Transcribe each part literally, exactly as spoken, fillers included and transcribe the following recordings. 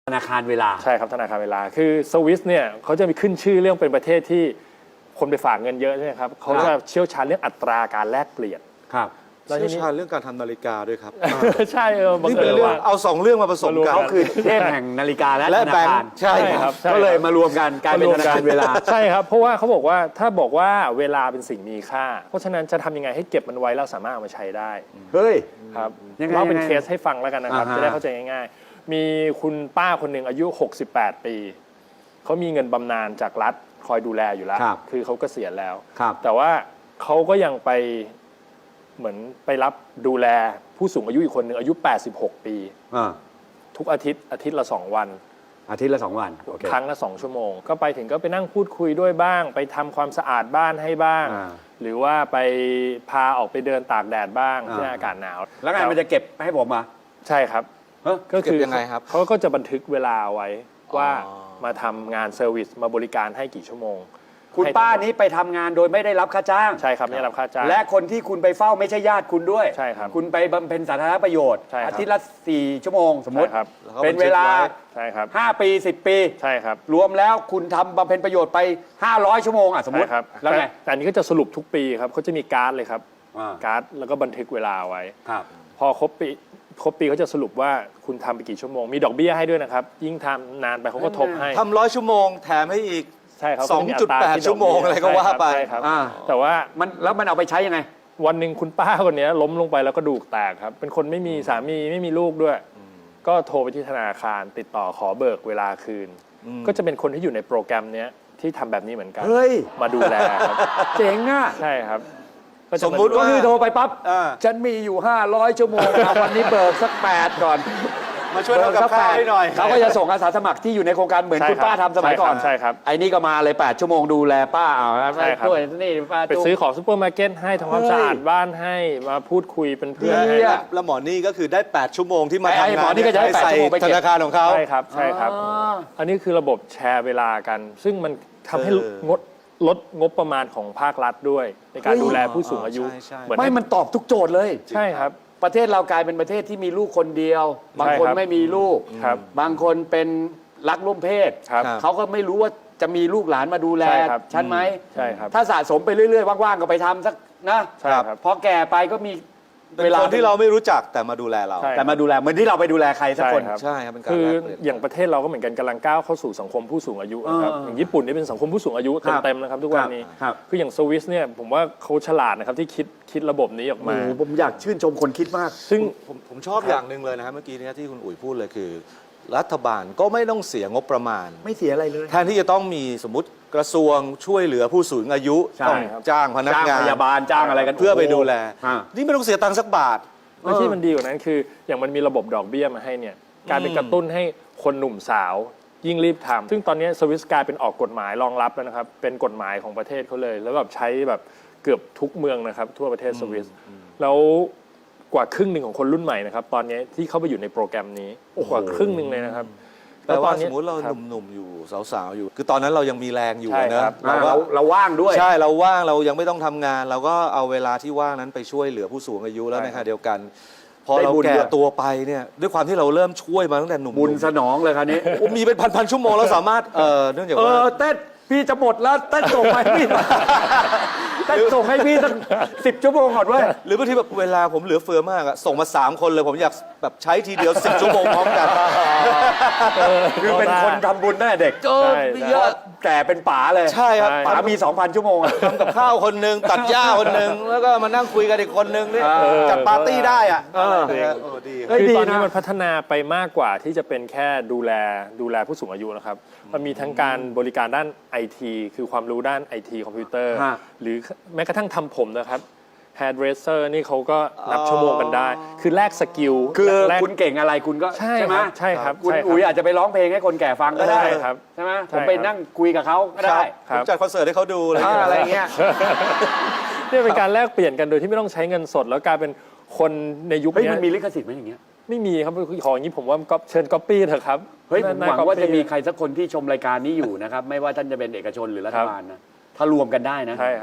ธนาคารเวลาใช่ครับธนาคารเวลาคือสวิสเนี่ยเขาจะมีขึ้นชื่อเรื่องเป็นประเทศที่คนไปฝากเงินเยอะใช่ไหมครับเขาจะเชี่ยวชาญเรื่องอัตราการแลกเปลี่ยนครับเชี่ยวชาญเรื่องการทำนาฬิกาด้วยครับใช่เออบังนี่เอิเป็นญเรื่องว่าเอาสองเรื่องมาผสมกันเขาคือเทพแห่งนาฬิกาและและธนาแบงคารค์ใช่ครับก็เลยมารวมกันกลายเป็นธนาคารเวลาใช่ครับเพราะว่าเขาบอกว่าถ้าบอกว่าเวลาเป็นสิ่งมีค่าเพราะฉะนั้นจะทำยังไงให้เก็บมันไว้แล้วสามารถเอามาใช้ได้เฮ้ยครับเล่าเป็นเคสให้ฟังแล้วกันนะครับจะได้เข้าใจง่ายๆมีคุณป้าคนหนึ่งอายุหกสิบแปดปีเขามีเงินบำนาญจากรัฐคอยดูแลอยู่แล้วคือเขาเกษียณแล้วแต่ว่าเขาก็ยังไปเหมือนไปรับดูแลผู้สูงอายุอีกคนหนึ่งอายุแปดสิบหกปีทุกอาทิตย์อาทิตย์ละสองวันอาทิตย์ละสองวันครั้งละสองชั่วโมงก็ไปถึงก็ไปนั่งพูดคุยด้วยบ้างไปทำความสะอาดบ้านให้บ้างหรือว่าไปพาออกไปเดินตากแดดบ้างที่อากาศหนาวแล้วไงมันจะเก็บให้ผมมาใช่ครับก็คือยังไงครับเขาก็จะบันทึกเวลาไว้ว่ามาทำงานเซอร์วิสมาบริการให้กี่ชั่วโมงคุณป้านี้ไปทำงานโดยไม่ได้รับค่าจ้างใช่ครับไม่ได้รับค่าจ้างและคนที่คุณไปเฝ้าไม่ใช่ญาติคุณด้วยใช่ครับคุณไปบำเพ็ญสาธารณประโยชน์อาทิตย์ละสี่ชั่วโมงสมมติเป็นเวลาใช่ครับห้าปีสิบปีใช่ครับรวมแล้วคุณทำบำเพ็ญประโยชน์ไปห้าร้อยชั่วโมงอ่ะสมมติแล้วไงแต่อันนี้ก็จะสรุปทุกปีครับเขาจะมีการ์ดเลยครับการ์ดแล้วก็บันทึกเวลาไว้พอครบปีครบปีเขาจะสรุปว่าคุณทำไปกี่ชั่วโมงมีดอกเบี้ยให้ด้วยนะครับยิ่งทำนานไปเขาก็ทบให้ทำร้อยชั่วโมงแถมให้อีกใช่ครับสองจุดแปด ชั่วโมงอะไรก็ว่าไปแต่ว่ามันแล้วมันเอาไปใช้ยังไงวันหนึ่งคุณป้าคนนี้ล้มลงไปแล้วก็ดูกแตกครับเป็นคนไม่มีสามีไม่มีลูกด้วยก็โทรไปที่ธนาคารติดต่อขอเบิกเวลาคืนก็จะเป็นคนที่อยู่ในโปรแกรมนี้ที่ทำแบบนี้เหมือนกันมาดูแลครับเจ๋งอ่ะใช่ครับสมมุติว่าคือโทรไปปั๊บฉันมีอยู่ห้าร้อยชั่วโมงวันนี้เบิกสักแปดก่อนมาช่วยทำกับข้าวให้หน่อยเขาก็จะส่งอาสาสมัครที่อยู่ในโครงการเหมือนคุณป้าทำสมัยก่อนใช่ครับไอ้นี่ก็มาเลยแปดชั่วโมงดูแลป้าเอาช่วยนี่ป้าไปซื้อของซุปเปอร์มาร์เก็ตให้ทำความสะอาดบ้านให้มาพูดคุยเป็นเพื่อนให้แล้วหมอนี่ก็คือได้แปดชั่วโมงที่มาทำงานหมอนี่ก็จะได้แปดชั่วโมงไปธนาคารของเขาใช่ครับใช่ครับอันนี้คือระบบแชร์เวลากันซึ่งมันทำให้งดลดงบประมาณของภาครัฐด้วยในการดูแลผู้สูงอายุไม่มันตอบทุกโจทย์เลยใช่ครับประเทศเรากลายเป็นประเทศที่มีลูกคนเดียวบางคนไม่มีลูกบางคนเป็นรักร่วมเพศเขาก็ไม่รู้ว่าจะมีลูกหลานมาดูแลฉันไหมใช่ครับถ้าสะสมไปเรื่อยๆว่างๆก็ไปทำสักนะพอแก่ไปก็มีเป็นคนที่เราไม่รู้จักแต่มาดูแลเราแต่มาดูแลเหมือนที่เราไปดูแลใครสักคนใช่ครับเป็นการคืออย่างประเทศเราก็เหมือนกันกำลังก้าวเข้าสู่สังคมผู้สูงอายุนะครับอย่างญี่ปุ่นนี่เป็นสังคมผู้สูงอายุเต็มๆนะครับทุกวันนี้คืออย่างสวิสเนี่ยผมว่าเขาฉลาดนะครับที่คิดคิดระบบนี้ออกมาผมอยากชื่นชมคนคิดมากซึ่งผมผมชอบอย่างหนึ่งเลยนะครับเมื่อกี้นี้ที่คุณอุ๋ยพูดเลยคือรัฐบาลก็ไม่ต้องเสียงบประมาณไม่เสียอะไรเลยแทนที่จะต้องมีสมมติกระทรวงช่วยเหลือผู้สูงอายุต้องจ้างพนักงานพยาบาลจ้างอะไรกันเพื่อไปดูแลนี่ไม่ต้องเสียตังค์สักบาทและที่มันดีกว่านั้นคืออย่างมันมีระบบดอกเบี้ยมาให้เนี่ยการเป็นกระตุ้นให้คนหนุ่มสาวยิ่งรีบทำซึ่งตอนนี้สวิสกลายเป็นออกกฎหมายรองรับแล้วนะครับเป็นกฎหมายของประเทศเขาเลยแล้วแบบใช้แบบเกือบทุกเมืองนะครับทั่วประเทศสวิสแล้วกว่าครึ่งหนึ่งของคนรุ่นใหม่นะครับตอนนี้ที่เข้าไปอยู่ในโปรแกรมนี้กว่าครึ่งหนึ่งเลยนะครับแต่ว่าสมมติเราหนุ่มๆอยู่สาวๆอยู่คือตอนนั้นเรายังมีแรงอยู่นะเราเราว่างด้วยใช่เราว่างเรายังไม่ต้องทำงานเราก็เอาเวลาที่ว่างนั้นไปช่วยเหลือผู้สูงอายุแล้วในขณะเดียวกันพอเราแก่ตัวไปเนี่ยด้วยความที่เราเริ่มช่วยมาตั้งแต่หนุ่มบุญสนองเลยครับนี้มีเป็นพันๆชั่วโมงแล้วสามารถเออเนื่องจากว่าเออเต้นพี่จะหมดแล้วเต้นส่งให้พี่เต้นส่งให้พี่สักสิบชั่วโมงก่อนด้วยหรือบางทีแบบเวลาผมเหลือเฟือมากอะส่งมาสามคนเลยผมอยากแบบใช้ทีเดียวสิบชั่วโมงพร้อมกันคือเป็นคนทำบุญตั้งแต่เด็กเยอะแต่เป็นป๋าเลยใช่ครับป๋ามี สองพัน ชั่วโมงทำกับข้าวคนหนึ่งตัดหญ้าคนหนึ่งแล้วก็มานั่งคุยกันอีกคนหนึ่งนี่จัดปาร์ตี้ได้อ่ะคือตอนนี้มันพัฒนาไปมากกว่าที่จะเป็นแค่ดูแลดูแลผู้สูงอายุนะครับมันมีทั้งการบริการด้าน ไอ ที คือความรู้ด้าน ไอ ที คอมพิวเตอร์หรือแม้กระทั่งทำผมนะครับhairdresser นี่เขาก็นับชั่วโมงกันได้คือแลกสกิลคือคุณเก่งอะไรคุณก็ใช่ไหมใช่ครับคุณอุ๋ยอาจจะไปร้องเพลงให้คนแก่ฟังก็ได้ครับใช่ไหมผมไปนั่งคุยกับเขาก็ได้ผมจัดคอนเสิร์ตให้เขาดูอะไรเงี้ยนี่เป็นการแลกเปลี่ยนกันโดยที่ไม่ต้องใช้เงินสดแล้วกลายเป็นคนในยุคนี้มันมีลิขสิทธิ์ไหมอย่างเงี้ยไม่มีครับของอย่างนี้ผมว่าเชิญก๊อปปี้เถอะครับเฮ้ยผมหวังว่าจะมีใครสักคนที่ชมรายการนี้อยู่นะครับไม่ว่าท่านจะเป็นเอกชนหรือรัฐบาลนะถ้ารวมกันได้นะใช่ครับ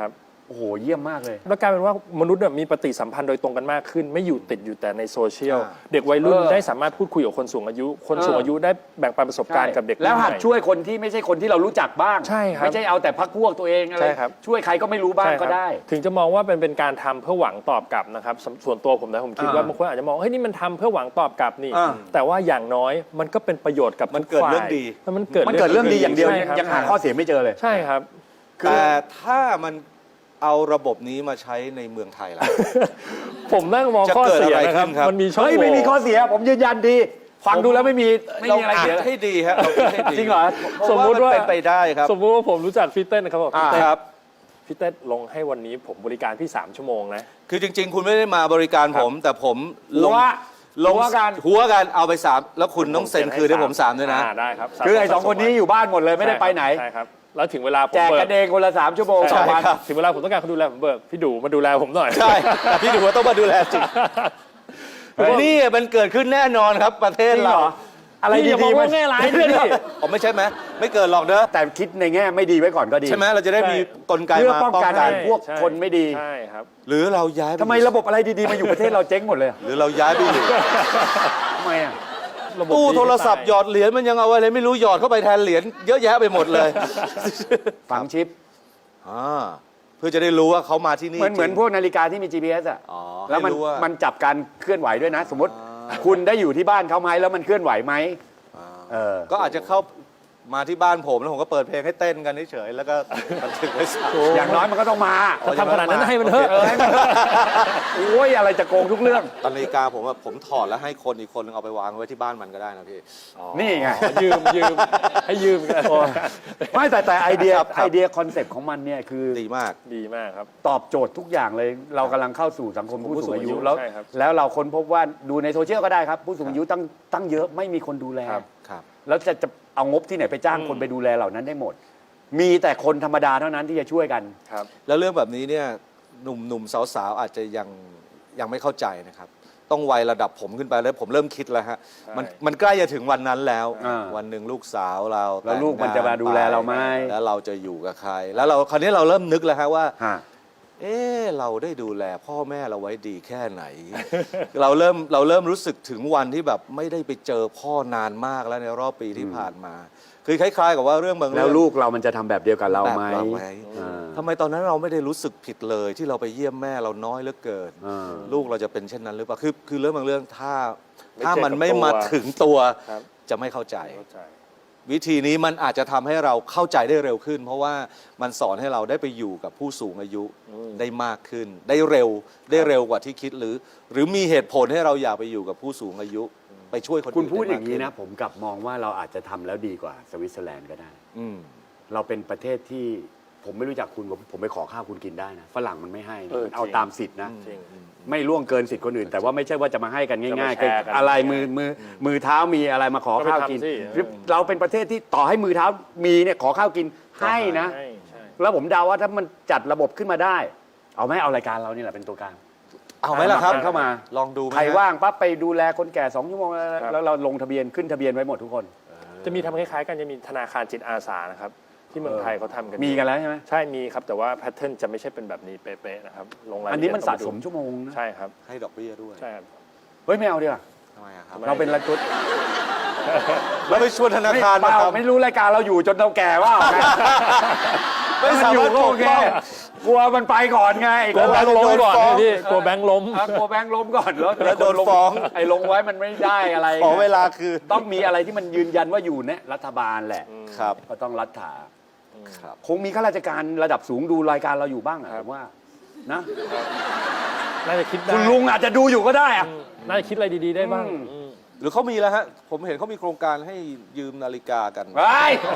โอ้โหเยี่ยมมากเลยแล้วกลายเป็นว่ามนุษย์เนี่ยมีปฏิสัมพันธ์โดยตรงกันมากขึ้น ไม่อยู่ติดอยู่แต่ในโซเชียลอ่าเด็กวัยรุ่นเออได้สามารถพูดคุยกับคนสูงอายุ คนเออสูงอายุได้แบ่งปันประสบการณ์กับเด็กแล้วหัดรุ่นใหม่ช่วยคนที่ไม่ใช่คนที่เรารู้จักบ้างใช่ครับไม่ใช่เอาแต่พักพวกตัวเองอะไรใช่ครับช่วยใครก็ไม่รู้บ้างใช่คก็รับได้ถึงจะมองว่าเป็นเป็นการทำเพื่อหวังตอบกลับนะครับสส่วนตัวผมนะผมคิดว่าอ่าบางคนอาจจะมองเฮ้ยนี่มันทำเพื่อหวังตอบกลับนี่อ่าแต่ว่าอย่างน้อยมันก็เป็นประโยชน์กับมันทุเกิดฝ่ายเรื่องดีมันเกิดมันเกิดเรื่องดีอย่างเดียวใช่ยังครับยังหาข้อเสียไม่เจอเลยใช่ครับแต่ถ้ามันเอาระบบนี้มาใช้ในเมืองไทยล่ะผมนั่งมองจะข้อเกิดเสียอะไรนะครับขึ้นครับมันมีช่องเฮ้ยโหไม่มีข้อว่เสีย ผมยืนยันดี ฟังดูแล้วไม่มีไม่มีอะไรเสียาคิดให้ดีฮะเราคิดให้ดีจริงเหรอสมมติว่าเป็นไปได้ครับสมมติว่าผมรู้จักพี่เต้นนะครับบอกอ่าพี่เต้นครับพี่เต้นลงให้วันนี้ผมบริการพี่สามชั่วโมงนะคือจริง ๆ คุณไม่ได้มาบริการผม แต่ผมลงหัวลงหัวกันหัวกันเอาไปสามแล้วคุณต้องเซ็นคืนให้ผมสามด้วยนะอ่าได้ครับสามคือไอ้สองคนนี้อยู่บ้านหมดเลยไม่ได้ไปไหนใช่ครับแล้วถึงเวลาผมแจกเบิกันเองคนละสามชั่วโมงใช่ต่อวันครับถึงเวลาผมต้องการคนดูแลผมเบิกพี่ดูมาดูแลผมหน่อยใช่พี่ดูว่าต้องมาดูแลจริงเฮ้ยนี่มันเกิดขึ้นแน่นอนครับประเทศจริงเหเรารออะไรพี่อย่าดีมองๆว่าแง่ร้ายดิพี่ผมไม่ใช่ไหมไม่เกิดหรอกเด้อแต่คิดในแง่ไม่ดีไว้ก่อนก็ดีใช่ไหมเราจะได้มีกลไกเพื่อมาป้องกันใช่พวกใช่คนไม่ดีใช่ครับหรือเราย้ายปทำไมระบบอะไรดีๆมาอยู่ประเทศเราเจ๊งหมดเลยอะหรือเราย้ายไปอยู่ทำไมอ่ะระบบตู้ดีโทรศัพท์หยอดเหรียญมันยังเอาอะไรไม่รู้หยอดเข้าไปแทนเหรียญเยอะแยะไปหมดเลยฝังชิปอ่าเพื่อจะได้รู้ว่าเขามาที่นี่เหมือนเหมือนจริงพวกนาฬิกาที่มี จี พี เอส อ่ะอ๋อแล้วมันให้รู้ว่ามันจับการเคลื่อนไหวด้วยนะ สมมติอ่าคุณได้อยู่ที่บ้านเขาไหมแล้วมันเคลื่อนไหวไหมอ่าเออก็อาจจะเข้ามาที่บ้านผมแล้วผมก็เปิดเพลงให้เต้นกันเฉยๆแล้วก็บันทึกไว้สามอย่างน้อยมันก็ต้องมาทำขนาดนั้นให้มันเถอะเออให้มันโอ้ยอะไรจะโกงทุกเรื่องตอนนาฬิกาผมว่าผมถอดแล้วให้คนอีกคนนึงเอาไปวางไว้ที่บ้านมันก็ได้นะพี่นี่ไงยืมยืมให้ยืมกันไม่แต่แต่ไอเดียครับครับไอเดียคอนเซปต์ของมันเนี่ยคือดีมากดีมากครับตอบโจทย์ทุกอย่างเลย เรากำลังเข้าสู่สังคมผู้สูงอายุผู้สูงอายุแล้วใช่ครับแล้วเราค้นพบว่าดูในโซเชียลก็ได้ครับ ผู้สูงอายุตั้งตั้งเยอะไม่มีคนดูแลครับครับแล้วจะจะเอางบที่ไหนไปจ้างอืมคนไปดูแลเหล่านั้นได้หมด มีแต่คนธรรมดาเท่านั้นที่จะช่วยกันครับแล้วเรื่องแบบนี้เนี่ยหนุ่มหนุ่มสาวๆอาจจะยังยังไม่เข้าใจนะครับ ต้องวัยระดับผมขึ้นไปแล้วผมเริ่มคิดแล้วฮะใช่มันมันใกล้จะถึงวันนั้นแล้วอ่าวันหนึ่งลูกสาวเราแล้วลูกมันจะมาดูแลเราไหมแล้วเราจะอยู่กับใคร แล้วเราคราวนี้เราเริ่มนึกแล้วฮะว่าฮะเออเราได้ดูแลพ่อแม่เราไว้ดีแค่ไหน เราเริ่มเราเริ่มรู้สึกถึงวันที่แบบไม่ได้ไปเจอพ่อนานมากแล้วในรอบปีที่ผ่านมา คือคล้ายๆกับว่าเรื่องบางแล้วเรื่องลูกเรามันจะทำแบบเดียวกับเราไหมแบบเราไหมอ่าทำไมตอนนั้นเราไม่ได้รู้สึกผิดเลยที่เราไปเยี่ยมแม่เราน้อยเหลือเกินอ่าลูกเราจะเป็นเช่นนั้นหรือเปล่าคือคือเรื่องบางเรื่องถ้าไม่ถ้าเจอมันกับไม่ตัวมาถึงตัวครับจะไม่เข้าใจเข้าใจวิธีนี้มันอาจจะทำให้เราเข้าใจได้เร็วขึ้น เพราะว่ามันสอนให้เราได้ไปอยู่กับผู้สูงอายุอืมได้มากขึ้น ได้เร็วได้เร็วกว่าที่คิดหรือ หรือมีเหตุผลให้เราอยากไปอยู่กับผู้สูงอายุ ไปช่วยคนอื่นคุณพูดอย่างนี้นี้นะ ผมกลับมองว่าเราอาจจะทำแล้วดีกว่าสวิตเซอร์แลนด์ก็ได้อืมเราเป็นประเทศที่ผมไม่รู้จักคุณผมผมไปขอข้าวคุณกินได้นะฝรั่งมันไม่ให้นะเออมันเอาจริงตามสิทธินะจริงไม่ล่วงเกินสิทธิ์คนอื่น แต่ว่าไม่ใช่ว่าจะมาให้กันง่ายๆจะมาแชร์กันอะไรมือมือมือเท้ามีอะไรมาขอข้าวกินก็ไปทำสิเออเราเป็นประเทศที่ต่อให้มือเท้ามีเนี่ยขอข้าวกินให้นะใช่ใช่แล้วผมเดาว่าถ้ามันจัดระบบขึ้นมาได้ เอาไหมเอารายการเรานี่แหละเป็นตัวกลางเอาไหมล่ะครับเข้ามาลองดูไหมใครฮะว่างปั๊บไปดูแลคนแก่สองชั่วโมงแล้วครับแล้วเราลงทะเบียนขึ้นทะเบียนไว้หมดทุกคนจะมีทำคล้ายๆกันจะมีธนาคารจิตอาสานะครับที่เมืองไทยเขาทำกันมีกันแล้วใช่ไหมใช่มีครับแต่ว่าแพทเทิร์นจะไม่ใช่เป็นแบบนี้เป๊ะๆนะครับลงรายละอันเอีนี้ยดมันต้สะองไปดูสมชั่วโมงนะใช่ครับให้ดอกเบี้ยด้วยใช่ครับเฮ้ยไม่เอาดีกว่าทำไมอะครับไม่เราเป็นรัฐทุนแล้วไปชวนธนาไม่คารเปมาล่าทำไม่รู้รายการเราอยู่จนเราแก่ว่าไงไม่สาอยู่มารถก็ปโอก เคป้องกลัวมันไปก่อนไงกลัวแบงค์ล้มก่อนนะพี่กลัวแบงค์ล้มอ่ะกลัวแบงค์ล้มก่อนแล้วแล้วโดนฟ้องไอ้ลงไว้มันไม่ได้อะไรขอเวลาคือต้องมีอะไรที่มันยืนยันว่าอยู่เนี่ยรัฐบาลแหละครับก็ต้องรัฐาครับคงมีข้าราชการระดับสูงดูรายการเราอยู่บ้างอะครัผบมว่านะน่าจะคิดได้คุณลุงอาจจะดูอยู่ก็ได้อะอืมน่าจะคิดอะไรดีๆได้บ้างอืมอืมหรือเขามีแล้วฮะ ผมเห็นเขามีโครงการให้ยืมนาฬิกากันไป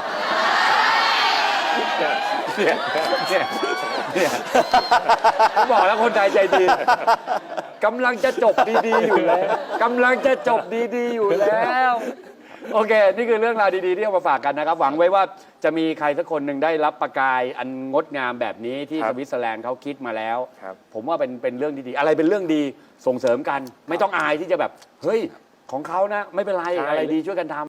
เนี่ยเนี่ยเนี่ยผมบอกแล้วคนไทยใจดีกำลังจะจบดีๆอยู่แล้วกำลังจะจบดีๆอยู่แล้ว โอเค นี่คือเรื่องราวดีๆที่เอามาฝากกันนะครับ หวังไว้ว่าจะมีใครสักคนหนึ่งได้รับประกายอันงดงามแบบนี้ที่ครัสบวิตเซอร์แลนด์เขาคิดมาแล้วครับผมว่าเป็นเป็นเรื่องดีๆ อะไรเป็นเรื่องดีส่งเสริมกัน ไม่ต้องอายที่จะแบบ เฮ้ย ของเขานะ ไม่เป็นไรใช่อะไรดีช่วยกันทำ